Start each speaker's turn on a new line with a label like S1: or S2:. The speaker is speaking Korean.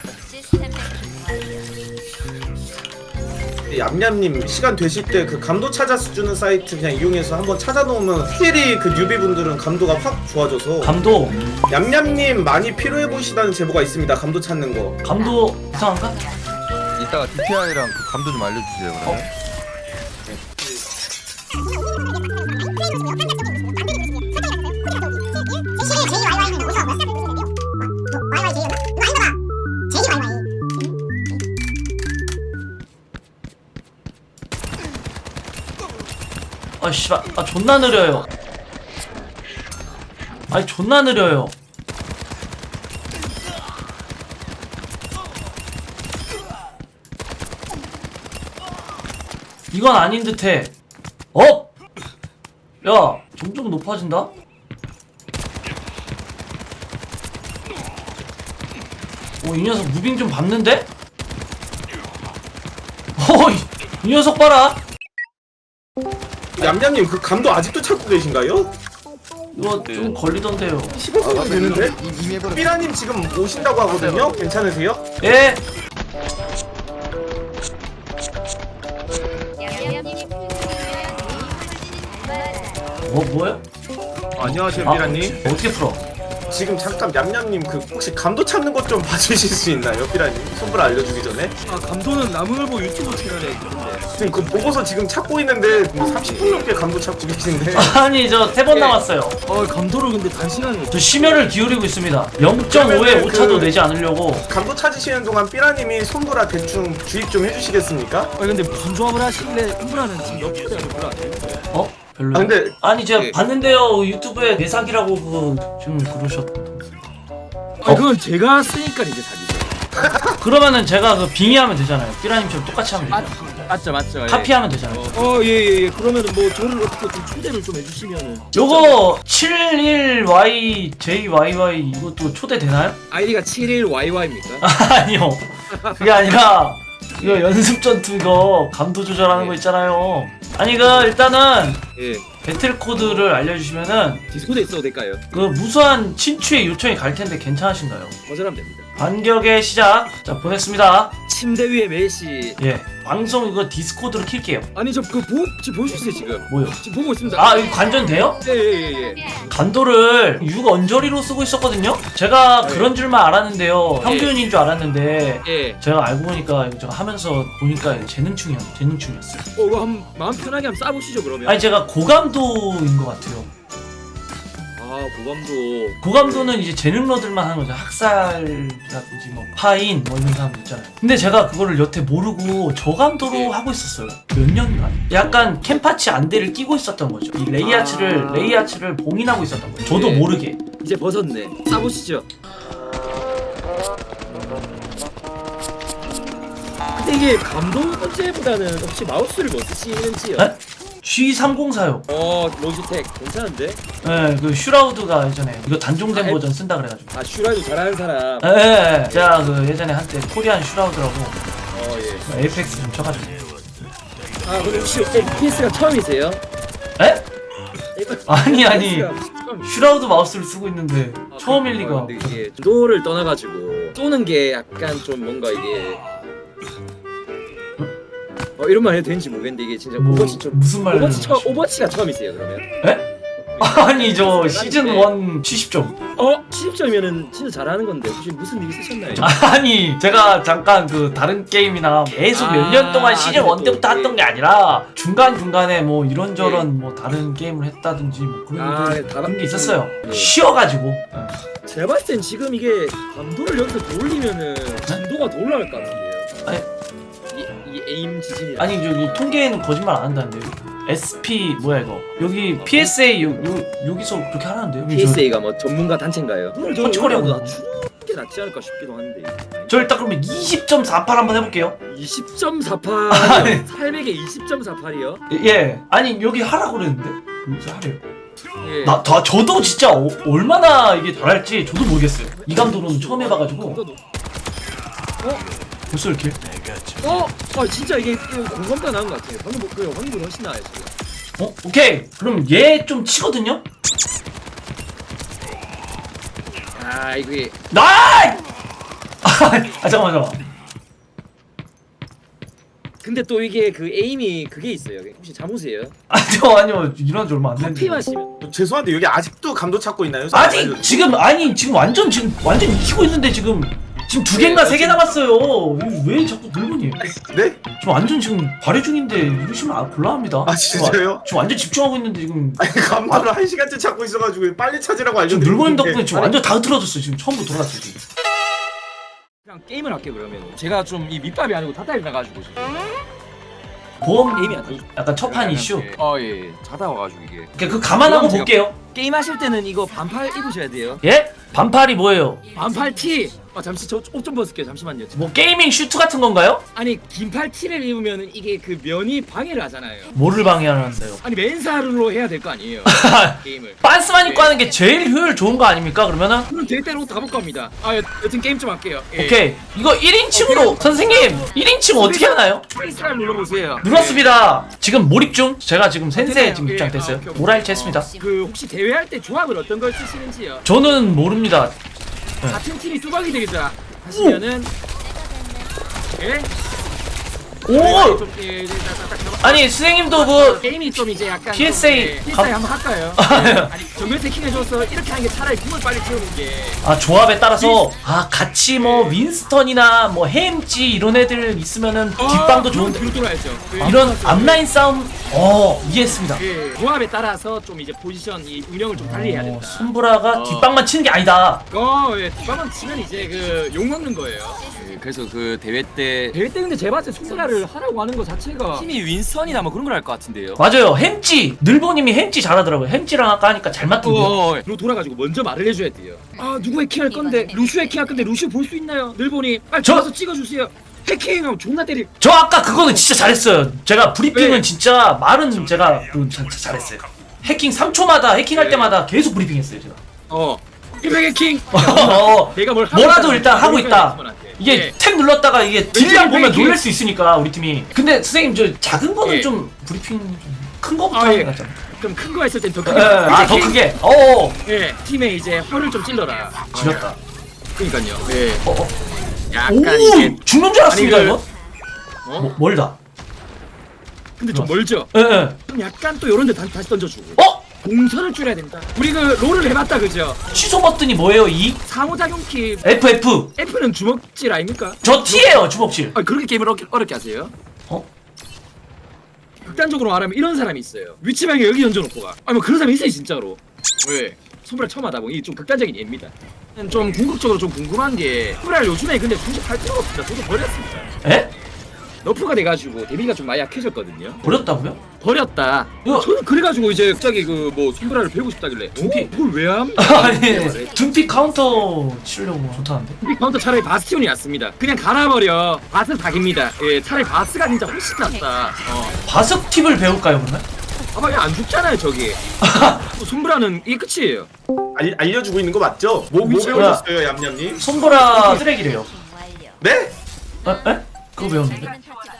S1: 얌얌님 시간 되실 때 그 감도 찾아서 주는 사이트 그냥 이용해서 한번 찾아놓으면 확실히 그 뉴비분들은 감도가 확 좋아져서.
S2: 감도
S1: 얌얌님 많이 필요해 보이시다는 제보가 있습니다. 감도 찾는 거.
S2: 감도 이상한가?
S3: 이따가 DPI랑 그 감도 좀 알려주세요. 그러면.
S2: 아 씨발 아 존나 느려요. 아니 존나 느려요. 이건 아닌 듯해. 어? 야 점점 높아진다? 오 이 녀석 무빙 좀 밟는데? 이 녀석 봐라.
S1: 얌얌님 그 감도 아직도 찾고 계신가요?
S2: 이거 좀 걸리던데요.
S1: 15분은 되는데?
S3: 이미 해버렸어.
S1: 삐라님 지금 오신다고 하거든요? 괜찮으세요?
S2: 예? 뭐야?
S1: 안녕하세요 삐라님.
S2: 어떻게 풀어?
S1: 지금 잠깐 얌얌님 그 혹시 감도 찾는 것 좀 봐주실 수 있나요 삐라님? 손불 알려주기 전에.
S4: 아 감도는 나무늘보 유튜브 채널에 있는데.
S1: 지금 그 보고서 지금 찾고 있는데 뭐 30분 넘게 감도 찾고 계신데.
S2: 아니 저 3번 남았어요.
S4: 감도를 근데 단시간에.
S2: 저 심혈을 기울이고 있습니다. 0.5에 오차도 내지 않으려고.
S1: 감도 찾으시는 동안 삐라님이 손보라 대충 주입 좀 해주시겠습니까?
S4: 근데 무슨 조합을 하시길래 손브라는 지금 몇 프로야 별로 안 되는데.
S2: 어? 별로요?
S1: 아 근데
S2: 아니 제가
S3: 예.
S2: 봤는데요 유튜브에 내 사기라고 그거 지금 그러셨.
S4: 그건 제가 쓰니까 이제 사기죠.
S2: 그러면은 제가 그 빙의하면 되잖아요. 삐라님처럼 똑같이 하면 되죠.
S4: 맞죠.
S2: 카피하면 되잖아요.
S4: 예예예. 그러면은 뭐 저를 어떻게 좀 초대를 좀 해주시면은.
S2: 요거 71YJYY 이것도 초대 되나요?
S4: 아이디가 71YY입니까?
S2: 아니요. 그게 아니라 이거 연습 전투 이거 감도 조절하는 거 있잖아요. 아니 그 일단은
S4: 예.
S2: 배틀 코드를 알려주시면은
S4: 디스코드에 있어도 될까요?
S2: 그 무수한 친추의 요청이 갈 텐데 괜찮으신가요?
S4: 거절하면 됩니다.
S2: 반격의 시작. 자 보냈습니다.
S4: 침대 위에 메시.
S2: 예. 방송 이거 디스코드로 킬게요.
S4: 아니 저 지금 보실 수 있어요 지금.
S2: 뭐요?
S4: 지금 보고 있습니다.
S2: 아 이거 관전돼요?
S4: 예예예.
S2: 간도를 6 언저리로 쓰고 있었거든요? 제가
S4: 네.
S2: 그런 줄만 알았는데요. 평균인 줄 알았는데
S4: 예.
S2: 제가 알고 보니까 이거 제가 하면서 보니까 재능충이었어요.
S4: 이거 한번 마음 편하게 한번 쏴보시죠 그러면.
S2: 아니 제가 고감도인 것 같아요.
S4: 고감도.
S2: 고감도는 이제 재능러들만 하는 거죠. 학살이라든지 뭐 파인 뭐 이런 사람들 있잖아요. 근데 제가 그거를 여태 모르고 저감도로
S4: 예.
S2: 하고 있었어요. 몇 년간. 약간 캠파치 안대를 끼고 있었던 거죠. 이 레이아츠를 봉인하고 있었던 거예요. 저도
S4: 예.
S2: 모르게.
S4: 이제 벗었네. 쏴보시죠. 근데 이게 감도 문제보다는 혹시 마우스를 뭐 쓰시는지요?
S2: 에? G304요.
S4: 로지텍 괜찮은데?
S2: 예, 그 슈라우드가 예전에 이거 단종된
S4: 아,
S2: 버전 쓴다 그래가지고.
S4: 슈라이도 잘하는 사람.
S2: 예. 제가 그 예전에 한때 코리안 슈라우드라고
S4: 예.
S2: 에이펙스 좀 쳐가지고.
S4: 근데 혹시 FPS가 처음이세요?
S2: 에? 아니.
S4: FPS가 처음.
S2: 슈라우드 마우스를 쓰고 있는데 처음일 리가.
S4: 근데 이게 도를 떠나가지고 쏘는 게 약간 좀 뭔가 이게 이런 말 해도 되는지 모르겠는데 이게 진짜
S2: 뭐,
S4: 오버워치 좀
S2: 무슨 말을
S4: 오버워치가 처음이세요 그러면?
S2: 에? 아니 저 시즌 1 70점.
S4: 70점이면은 진짜 잘하는 건데 혹시 무슨 일 있으셨나요?
S2: 아니 제가 잠깐 그 다른 게임이나 계속 몇 년 동안 시즌 1 때부터 했던 게 아니라 중간중간에 뭐 이런저런 뭐 다른 게임을 했다든지 뭐 그런 게 있었어요.
S4: 예.
S2: 쉬어가지고.
S4: 제가 봤을 땐 지금 이게 감도를 여기서 더 올리면은 진도가 더 올라갈 것 같은데요.
S2: 아니.
S4: 이 에임 지진이라.
S2: 아니 저기 통계에는 거짓말 안 한다는데요. SP 뭐야 이거 여기 PSA 여기서 그렇게 하라는데요.
S4: PSA가 뭐 전문가 단체인가요?
S2: 터치거리하고.
S4: 낮추는 게 낫지 않을까 싶기도 한데.
S2: 저 일단 그러면 20.48 한번 해볼게요.
S4: 20.48.
S2: 아니.
S4: 800에 20.48이요?
S2: 예. 아니 여기 하라고 그랬는데 여기서 하래요.
S4: 예.
S2: 저도 진짜 얼마나 이게 잘할지 저도 모르겠어요. 이 감독은 처음 해봐가지고 벌써 이렇게.
S4: 진짜 이게 공감도 나는 것 같아요. 방금 방금 훨씬 나아요 지금.
S2: 오케이. 그럼 얘 좀 치거든요.
S4: 이게
S2: 나이! 아 잠깐만.
S4: 근데 또 이게 그 에임이 그게 있어요. 혹시 잠오세요?
S2: 아니요 일어난 지 얼마 안 됐는데.
S4: 커피 마시면
S1: 죄송한데 여기 아직도 감도 찾고 있나요?
S2: 아직 지금 완전 이기고 있는데 지금 두 개인가 세 개 남았어요. 이거 왜 자꾸 늙은이?
S1: 네?
S2: 지금 완전 지금 발휘 중인데 이러시면 곤란합니다.
S1: 아 진짜요?
S2: 지금 완전 집중하고 있는데 지금
S1: 아니 감도를 1시간째 찾고 있어가지고 빨리 찾으라고
S2: 지금
S1: 알려드리고
S2: 늙은이
S1: 있는데.
S2: 덕분에 지금 완전 다 흐트러졌어요. 지금 처음부터 돌아갔어요. 지금.
S4: 그냥 게임을 할게 그러면. 제가 좀 이 밑밥이 아니고 탓다리 나가지고 지금.
S2: 보험
S4: 게임이 안 돼.
S2: 약간 첫판 이슈.
S5: 예. 자다 와가지고 이게.
S2: 그 감안하고
S4: 그럼 제가-
S2: 볼게요.
S4: 게임 하실 때는 이거 반팔 입으셔야 돼요.
S2: 예? 반팔이 뭐예요?
S4: 반팔 티. 잠시 저 옷 좀 벗을게요. 잠시만요.
S2: 뭐 게이밍 슈트 같은 건가요?
S4: 아니 긴팔 티를 입으면은 이게 그 면이 방해를 하잖아요.
S2: 뭐를 방해하는데요?
S4: 아니 맨살로 해야 될 거 아니에요. 게임을.
S2: 빤스만 입고 하는 게 제일 효율 좋은 거 아닙니까? 그러면은
S4: 그럼 될 대로 다 볼 겁니다. 여튼 게임 좀 할게요. 예.
S2: 오케이 이거 1인칭으로 선생님 1인칭 어떻게 하나요?
S4: 스페이스를 눌러보세요.
S2: 눌렀습니다. 지금 몰입 중. 제가 지금 센세
S4: 되나요?
S2: 지금
S4: 예.
S2: 입장 됐어요.
S4: 오케이, 오케이.
S2: 오라일치 했습니다.
S4: 그 혹시 대회할 때 조합을 어떤 걸 쓰시는지요?
S2: 저는 모릅니다.
S4: 같은 팀이 뚜벅이 되겠다 하시면은 예?
S2: 오!
S4: 좀, 딱
S2: 아니 선생님도 그
S4: 게임이 좀 이제 약간
S2: PSA
S4: 좀, PSA 한번 할까요? 아니 정면 세킹해줘서 이렇게 하는 게 차라리 궁을 빨리 채우는 게
S2: 조합에 따라서 같이 뭐 윈스턴이나 뭐 헤임지 이런 애들 있으면은 뒷방도 좋은데
S4: 뒤로 돌아야죠.
S2: 이런 앞라인 싸움 이해했습니다.
S4: 예, 조합에 따라서 좀 이제 포지션 이 운영을 좀 달리 해야 된다.
S2: 손브라가 뒷방만 치는 게 아니다.
S4: 예, 뒷방만 치면 이제 그 욕 먹는 거예요.
S5: 예, 그래서 그 대회 때
S4: 대회 때 근데 제 봤을 때 손가락을 하라고 하는 거 자체가
S5: 팀이 윈스턴이나 뭐 그런 걸 할 것 같은데요.
S2: 맞아요. 햄찌 늘보님이 햄찌 잘하더라고요. 햄찌랑 아까 하니까 잘 맞던데요.
S4: 로 돌아가지고 먼저 말을 해줘야 돼요. 누구 해킹할 건데 루슈 해킹할 건데 루슈 볼 수 있나요? 늘보니 빨리
S2: 저-
S4: 들어가서 찍어주세요. 해킹하면 존나 때리.
S2: 저 아까 그거는 진짜 잘했어요. 제가 브리핑은
S4: 네.
S2: 진짜 말은 제가 잘했어요. 해킹 3초마다 해킹할
S4: 네.
S2: 때마다 계속 브리핑했어요 제가.
S4: 일백 해킹.
S2: 어,
S4: 내가 뭘 하고
S2: 뭐라도
S4: 있다는
S2: 일단 하고
S4: 거를
S2: 있다.
S4: 팀원한테.
S2: 이게
S4: 예.
S2: 탭 눌렀다가 이게 딜량
S4: 왜
S2: 보면
S4: 이렇게-
S2: 놀랄 수 있으니까 우리 팀이. 근데 선생님 저 작은 거는
S4: 예.
S2: 좀 브리핑 좀 큰 거부터
S4: 아,
S2: 하는
S4: 예.
S2: 게 낫잖아.
S4: 좀 큰 거 했을 땐 더
S2: 예,
S4: 크게.
S2: 더
S4: 해킹.
S2: 크게.
S4: 예, 팀에 이제 혀를 좀 찔러라.
S2: 지렸다.
S4: 그러니까요. 예.
S2: 어.
S4: 약간
S2: 오,
S4: 이게
S2: 죽는 줄 알았습니다
S4: 아니, 그-
S2: 이거.
S4: 어?
S2: 멀다.
S4: 근데 좀 멀죠.
S2: 예, 예.
S4: 그럼 약간 또 이런 데 다시 던져주고. 동선을 줄여야 된다. 우리 그 롤을 해봤다 그죠?
S2: 취소 버튼이 뭐예요? E?
S4: 상호작용 키
S2: FF.
S4: F는 주먹질 아닙니까?
S2: 저 T예요 주먹질.
S4: 그렇게 게임을 어렵게 하세요?
S2: 어?
S4: 극단적으로 말하면 이런 사람이 있어요. 위치방에 여기 던져놓고 가. 뭐 그런 사람이 있어요 진짜로. 왜? 손브라 처음 하다 보니 이게 좀 극단적인 예입니다. 좀 궁극적으로 좀 궁금한 게 손브라 요즘에 근데 중식할 필요가 없습니다. 저도 버렸습니다.
S2: 에?
S4: 너프가 돼가지고 데미지가 좀 많이 약해졌거든요.
S2: 버렸다고요?
S4: 버렸다.
S2: 이거-
S4: 저는 그래가지고 이제 갑자기 그 뭐 손브라를 배우고 싶다길래
S2: 둠피.
S4: 그걸 왜 함?
S2: 아니 둠피 카운터 치려고 좋다는데.
S4: 카운터 차라리 바스티온이 낫습니다. 그냥 갈아버려. 바스 닭입니다. 예, 차라리 바스가 진짜 훨씬 낫다.
S2: 바석 팁을 배울까요 그러면?
S4: 아마 안 죽잖아요 저기. 손브라는 이게 끝이에요.
S1: 알려주고 있는 거 맞죠? 뭐
S2: 미쳤다.
S1: 배우셨어요 얌얌님?
S2: 손보라 쓰레기래요.
S1: 네?
S2: 에? 그거 배웠는데?